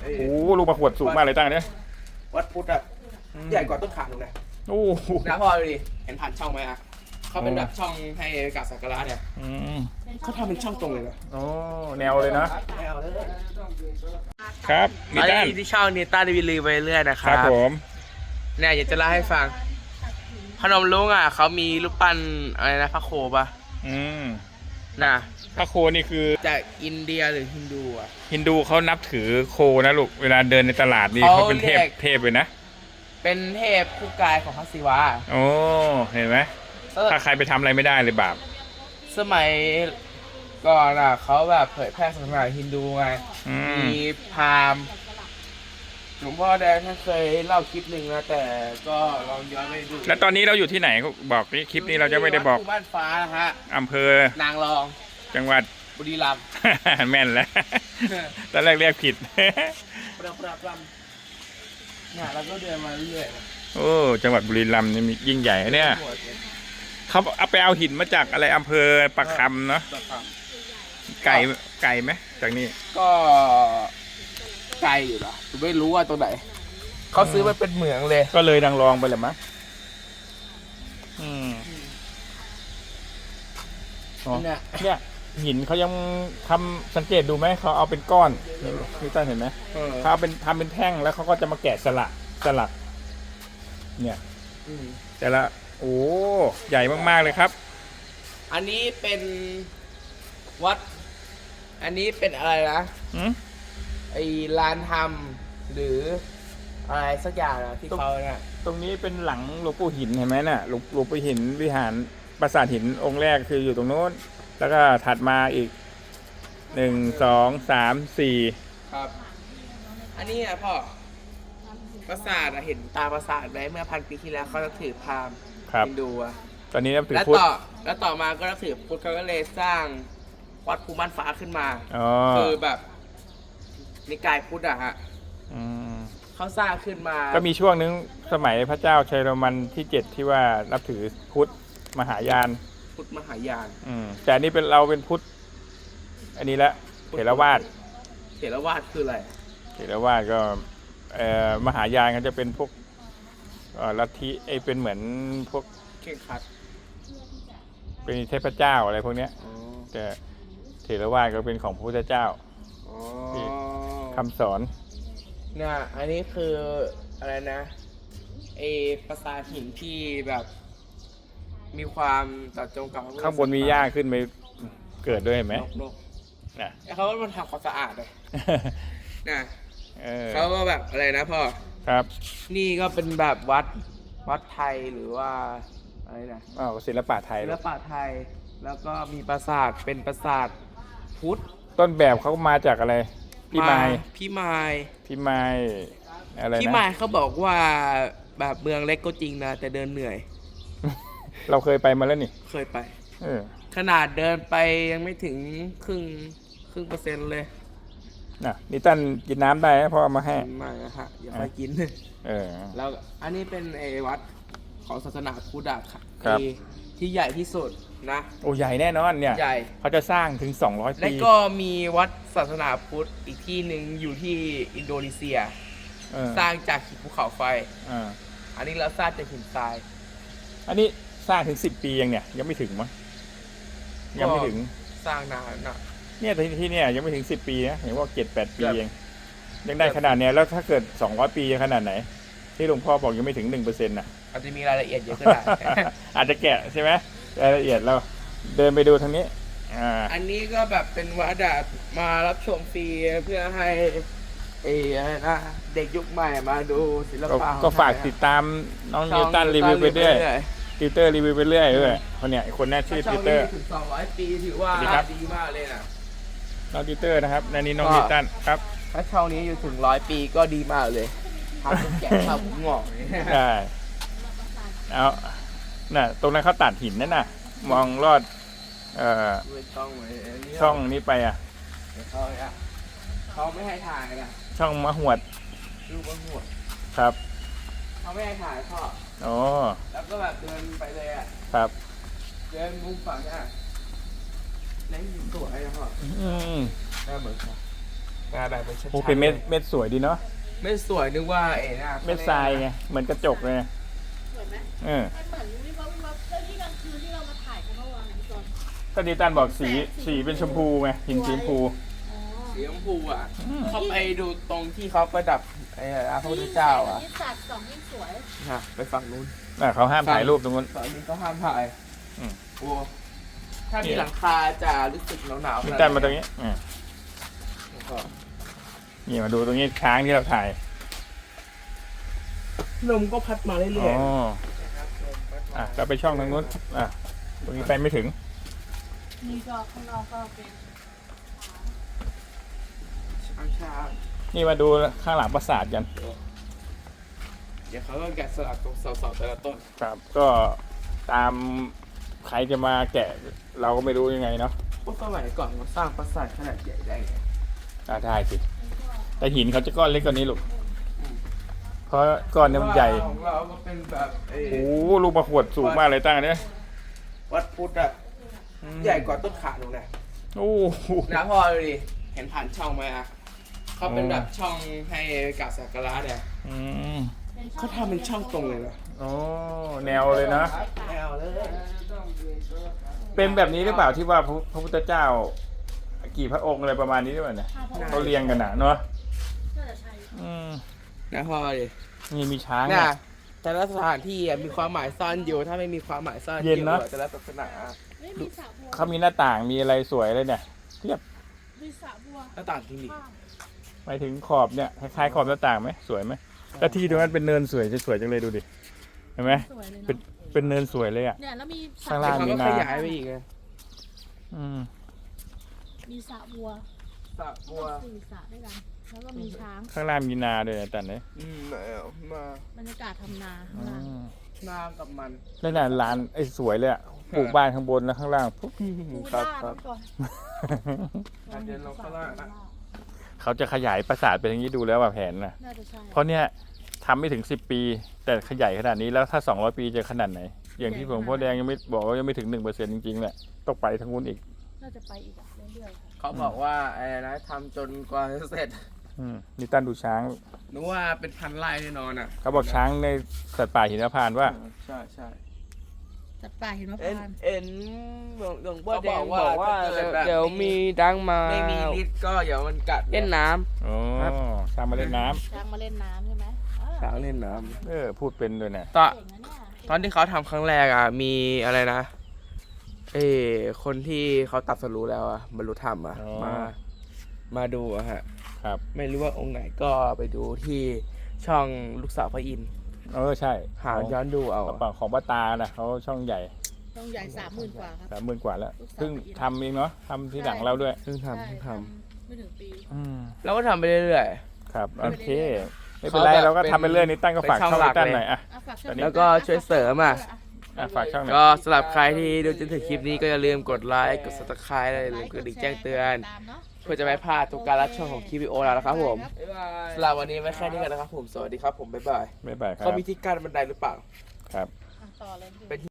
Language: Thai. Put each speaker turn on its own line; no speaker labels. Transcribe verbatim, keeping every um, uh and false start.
โอ้ลูกมะขวดสูงมากเลยตั้งเนี่ย
วัดพุทธอะใหญ่กว่าต้นขาหนูนะ
โอ้
นะพ่อดูดิเห็นผ่านช่องไหมอะเขาเป็นแบบช่องให้กราบสักการะเนี่ย
อืม
เขาทำเป็นช่องตรงเลยนะ
โอ้แนวเลยนะ
ไม่เอาเลย
ครับนิ
อัน
ตัน
นี้ที่ช่องนิต้าดีวีลีไปเรื่อยนะค
ค
รั
รั
บบ
ผม
เนี่ยอยากจะเล่าให้ฟังพนมรุ้งอ่ะเขามีรูปปั้นอะไรนะพระโคปะ
อืม
น่ะ
พระโคนี่คือ
จากอินเดียหรือฮินดูอ่ะ
ฮินดูเขานับถือโคนะลูกเวลาเดินในตลาดนี่
เขา
เขาเป็นเทพ
เรียก
เทพเลยนะ
เป็นเทพคู่กายของพระศิวะ
โอ้เห็นไหม
เออ
ถ้าใครไปทำอะไรไม่ได้เลยบาป
สมัยก่อนอ่ะเขาแบบเผยแพร่ศาสนาฮินดูไง
อืม
มีพราหมณ์หลวงพ่อแดงท่านเคยเล่าคลิปหนึ่งนะแต่ก็ลองย้อนไปดู
แล้วตอนนี้เราอยู่ที่ไหนบอกนี่คลิปนี้เราจะไม่ได้บอก
วัหมู่บ้านฟ้านะฮะ
อำเภอน
างรอง
จังหวัด
บุรีรัมย์
แม่นแล้ว ตอนแรกเรียกผิด
ปราบปราบปรามเนี่ยเราก็เดินมาเรื่อย
โอ้จังหวัดบุรีรัมย์นี่มียิ่งใหญ่นะเนี่ยเขาเอาไปเอาหินมาจากอะไรอำเภอประคำเนาะ
ปราบปราม
ไก่ไก่ไหมจากนี้
ก็ไกลอยู่นะผมไม่รู้ว่าตรงไหนเขาซื้อมาเป็นเหมืองเลย
ก็เลยนางรองไปแหละมั้งอืมอ๋อ
เนี่ย
เนี่ยหินเขายังทำสังเกตดูไหมเขาเอาเป็นก้อนนี่นี่ต้นเห็นไหม
เออ
เขาเอาเป็นทำเป็นแท่งแล้วเขาก็จะมาแกะสลักสลัก เนี่ย
อืม
แต่ละโอ้ใหญ่มากๆเลยครับ
อันนี้เป็นวัด อันนี้เป็นอะไรนะ
อืม
ไอ้ลานธรรมหรืออะไรสักอย่างนะที่เขาเนี่ย
ตรงนี้เป็นหลังหลวงปู่หินเห็นไหมน่ะหลวงหลวงปู่หินวิหารปราสาทหินองค์แรกคืออยู่ตรงโน้น แล้วก็ถัดมาอีกหนึ่งสองสามสี่
ครับ อันนี้นะพ่อปราสาทอะเห็นตาปราสาทไหมเมื่อพันปีที่แล้วเขาจะถือพราหมณ์
ครับ
ฮินดูอะ
ตอนนี้นับถือ
แล้ว
พุทธ
ต่อแล้วต่อมาก็นับถือพุทธเขาก็เลยสร้างวัดภูมิบ้านฟ้าขึ้นมา
อ๋อ
คือแบบนิกายพุทธอะฮะ
อืม
เขาสร้างขึ้นมา
ก็มีช่วงนึงสมัยพระเจ้าชัยโรมันที่เจ็ดที่ว่านับถือพุทธมหายาน
พุทธมหายาน
อืมแต่อันนี้เป็นเราเป็นพุทธ อันนี้ละเถรวาท
เถรวาทคืออะไร
เถรวาทก็เอ่อมหายานก็จะเป็นพวกเอ่อลัทธิไอยเป็นเหมือนพวก
เข่งขัด
เป็นเทพเจ้าอะไรพวกเนี้ย
อ๋อ
แต่เถรวาทก็เป็นของพระพุทธเจ้า
อ๋อ
คำสอน
เนี่ยอันนี้คืออะไรนะไอปราสาทหินที่แบบ มีความต่อจงกับพระพุทธ
ข้างบนมีหญ้าขึ้นไปเกิดด้วยเห็นไหม
นกนก
น่ะ
ไอ้เขาว่ามันทำความสะอาดเลยนะ
เออ
เขาก็แบบอะไรนะพ่อ
ครับ
นี่ก็เป็นแบบวัดวัดไทยหรือว่าอะไรนะ
อ้าวศิลปะไทย
ศิลปะไทย แล้วก็มีปราสาทเป็นปราสาทพุทธ
ต้นแบบเขามาจากอะไร พี่ไม้
พี่ไม้
พี่ไม้อะไรนะ
พี่ไม้เขาบอกว่าแบบเมืองเล็กก็จริงนะ แต่เดินเหนื่อย
เราเคยไปมาแล้วนี่
เคยไป
เออ
ขนาดเดินไปยังไม่ถึงครึ่งครึ่งเปอร์เซ็นต์เลย
น่ะนี่ตั้นกินน้ำได้นะเพราะเอามาให้
ไมากนะฮะอย่าไปกิน
เออ
แล้วอันนี้เป็นไอ้วัดของศาสนาพุทธอะค่ะ
ครับ
ที่ที่ใหญ่ที่สุดนะ
โอ้ใหญ่แน่นอนเนี่ย
ใหญ่
เขาจะสร้างถึงสองร้อย
และ
ปี
ก็มีวัดศาสนาพุทธอีกที่หนึ่งอยู่ที่อินโดนีเซีย
เออ
สร้างจากหินภูเขาไฟ
อ่า
อันนี้เราสร้างจากหินทราย
อันนี้สร้างถึงสิบปียังเนี่ย ยังไม่ถึงมั้งยังไม่ถึง
สร้างนานนะ
เนี่ยที่ที่เนี่ยยังไม่ถึงสิบปีนะเห็นว่าเจ็ดแปดปี
ครับ
เองยังได้ขนาดเนี้ยแล้วถ้าเกิดสองร้อยปีจะขนาดไหน ที่หลวงพ่อบอกยังไม่ถึงหนึ่งเปอร์เซ็นต์น่ะ
อาจจะมีรายละเอียดเยอะก็ได้
อาจจะแกะใช่ไหมรายละเอียดเราเดินไปดูทางนี้ อ่า
อันนี้ก็แบบเป็นวัดอะมารับชมฟรีเพื่อให้เอออะไรนะเด็กยุคใหม่มาดูศิล
ก็
ปะของ
ก็ฝาก
ไทย
ติดตามน้อง
ช่
นิ
อ
ว
ง
ตันรีวิวไปเรื่อย
รื่อย
ติวเตอร์รีวิวไปเรื่อยด้วยคนเนี้ยคนนี้ชื่อ
ช่
ติ
อง
วเตอ
นี้
ร์
ถึงสองร้อยปีถือว่า
สวัสดีครับ
ดีมากเลยนะ
น้องติวเตอร์นะครับนันนี้น้อง
ก็
นิวตันครับ
ถ้าช่องนี้อยู่ถึงร้อยปีก็ดีมากเลยทำเป็นแกะข้าวผมงอกเลย
ได้เอาน่ะตรงนั้นเขาตัดหินนั่นน่ะ มองลอดเอ่อ
ไม่ต้องเลยอันนี้
ช่องนี้ไปอ่ะ
เขาอะเขาไม่ให้ถ่ายนะ
ช่องมะหวด
รูปว่าหัว
ครับ
เขาไม่ให้ถ่ายพ่อ
อ๋อ
แล้วก็แบบเดินไปเลยอะ
ครับ
เดินมุมฝั่งเนี่ยแล้วยิงสวยนะพ่อ
อืม
ได้เหมือนกันอ่าแบบเป็นชั้นๆ
โอ้เป็นเม็ดเม็ดสวยดีเนาะ
เม็ดสวยนึกว่าเอ๋น่ะ
เม็ดทรายไงเหมือนกระจกเลย
สวยไหม
เออ
มันเหมือนวิบวับวิบวับแล้วที่กลางคืนที่เรามาถ่ายกันเมื่อวานนี้ก่อน
ก็ดีตันบอกสีสีเป็นชมพูไงหินสีชมพู
อ๋อ
สีชมพูอ่ะเขาไปดูตรงที่เขาประดับไอ้พระพุทธเจ้าอ่ะ
ยิ่งสัตว์สองยิ่งสวย
นะไปฝั่งนู้น
อ่ะเขาห้ามถ่ายรูปตรงนู้น
ฝั่งนี้ก็ห้ามถ่าย
อืม
โอ้ถ้ามีหลังคาจะรู้สึกหนาวๆ
ดีตันมาตรงนี้อ่ะ
แล้วก็
นี่มาดูตรงนี้ช้างที่เราถ่าย
ลมก็พัดมาเรื่
อ๋
อย
อ
ๆนะครับลมพัดมา
อ่ะเราไปช่องทางนู้นอ่ะตรงนี้ไปไม่ถึง
นี่ก็ข้างนอกก็เป็น
ช้าง
นี่มาดูข้างหลังปราสาทกัน
ๆเดี๋ยวเขาก็แกะสลักตรงเสาๆแต่ละต้น
ครับก็ตามใครจะมาแกะเราก็ไม่รู้ยังไงเนาะ
พวกสมัยก่อนเขาสร้างปราสาทขนาดใหญ่ได้ไง
อ่ะได้สิแต่หินเขาจะก้อนเล็กกว่านี้ลูกเพราะก้อนเนี่ยมันใหญ่
ของเราก็เป็นแบบเอ่อ
โอ้โหลูกมะขวดสูงมากเลยตั้งอันเนี้ย
วัดพุทธอ่ะใหญ่กว่าต้นขาหนูนะ
โอ้โห
นะพอดูดิเห็นผ่านช่องไหมอ่ะเขาเป็นแบบช่องให้กราบสักการะเนี่ย
อืม
เขาทำเป็นช่องตรงเลยเหรอ
โอ้แนวเลยนะ
แนวเลย
เป็นแบบนี้หรือเปล่าที่ว่าพระพระพุทธเจ้า กี่พระองค์อะไรประมาณนี้หรือเปล่าเนี่ย
ภาพ
เขาเรียงกันนะเนาะ
น่าจะใช่
อืม
นะพอดิ
นี่มีช้าง
น่ะ
อ่ะ
แต่ละสถานที่อะมีความหมายซ่อนอยู่ถ้าไม่มีความหมายซ่อนอ
เย็น
ยู่
นะ
อะแต่ละศาสนา
ไม่มีสระบัว
เขามีหน้าต่างมีอะไรสวยเลยเนี่ยเทียบ
มีสระบัว
หน้าต่างที่นี่
ข้าง
ไปถึงขอบเนี่ยคล้ายๆขอบหน้าต่างไหมสวยไหมแล้วที่ตรงนั้นเป็นเนินสวยจะสวยจังเลยดูดิเห็นไหม
สวยเลย
เป็น
เนาะ
เป็นเนินสวยเลยอ่ะ
เนี่ยแล้วมีส
ข้าง
ระ
ล่าง
เขา
มี
ก็
นา
ขยายไปอีกไง
อืม
มีสระบัว
สระบัว
สี่สระด้วยกัน แล้วก็มีช้าง
ข้างล่างมีนาด้วยนะแต่เนี่ย
อืมเอามา
บรรยากาศทำนาข้าง
อื
ล่าง
ม
นากับมัน
แล้วน่ะร้านไอ้สวยเลยอ่ะปลูกบ้านข้างบนแล้วข้างล่างปุ๊บ
พู
ค
ด้า
รับค
นั่
รับ
นก่อน
อาจจะลงข้างล่างนะ
เขาจะขยายปราสาทเป็นอย่างนี้ดูแล้วว่าแผนนะ
น่าจะใช่
เพราะเนี่ยทำไม่ถึงสิบปี แต่ขยายขนาดนี้แล้วถ้าสองร้อยปีจะขนาดไหน อย่างที่หลวงพ่อแดงยังไม่บอกว่ายังไม่ถึงหนึ่งเปอร์เซ็นต์จริงๆแหละต้องไปทางนู้นอีก
น่าจะไปอีกอะเรื่อยๆค่ะ
เขาบอกว่าอะไรนะทำจนกว่าจะเสร็จ
อืมนี่ตั้นดูช้าง
นึกว่าเป็นพันไร่แน่นอนอ่ะ
เขาบอกช้างในสัตว์ป่าหินพานต์ว่า
ใช่ใช่
จัดป่าเห็นมะพ
เอ็น
ร้าว
เอ็นหลวงหลวงพ่อแดงบอกว่าเดี๋ยวมีดังมาไม่มีฤทธิ์ก็เดี๋ยวมันกัดเล่นน้
โอ้
ครับ
ช้างมาเล่นน้ำ
ช้างมาเล่นน้ำใช่ไหมอ่า
ำช้างเล่นน้
เออพูดเป็นด้วยนะ
ำตอน
เก่งนะเนี่ย
ตอนที่เขาทำครั้งแรกอ่ะมีอะไรนะเออคนที่เขาตัดสรู้แล้วอ่ะบรรลุธรรมอ่ะมามาดูอะฮะ
ครับ
ไม่รู้ว่าองค์ไหนก็ไปดูที่ช่องลูกสาวพระอินทร์
เออใช่
หาย้อนดูเอา
กระเป๋าของป้าตาน่ะเขาช่องใหญ่
ต้องใหญ่สามหมื่นกว่าครับ
สามหมื่นกว่าแล้ว
ลูกสาว
เพิ่งทำเองเนาะทำที่หลังเราด้วย
เพิ่งทำ
ใช่
เพิ่งท
ไม่ถึงปี
อืม
ำแล้วก็ทำไปเรื่อย
ครับโอเคไม่
เขา
เป็นไร
แบบ
เราก็
เป็น
ทำไปเรื่อยนี่ตั้งก็ฝาก
เป็นช่
ช่
อ
อง ง
หลั
ไอ้
ก
ตั้น
เลย
หน่อยอ่ะ
อ่ะฝากช่อง
แล้วก็ช่วยเสริมอ่ะ
อ่ะฝากช่องหน่
ก็
อย
สำหรับใครที่ดูจนถึงคลิปนี้ก็อย่าลืมกดไลค์กด subscribe และอย่าลืมกดกระดิ่งแจ้งเตือน
ตามเนาะ
เพื่อจะไม่พลาดทุกการรับชมของคลิปวิดีโอแล้วนะครับผมสำหรับวันนี้ไว้แค่นี้กันนะครับผม สวัสดีครับผม บ๊ายบาย
บ๊ายบายครั
เขา
บ
มีที่กั้นบันไดหรือเปล่า
ครับ
อ่ะต่อเลย
เป็น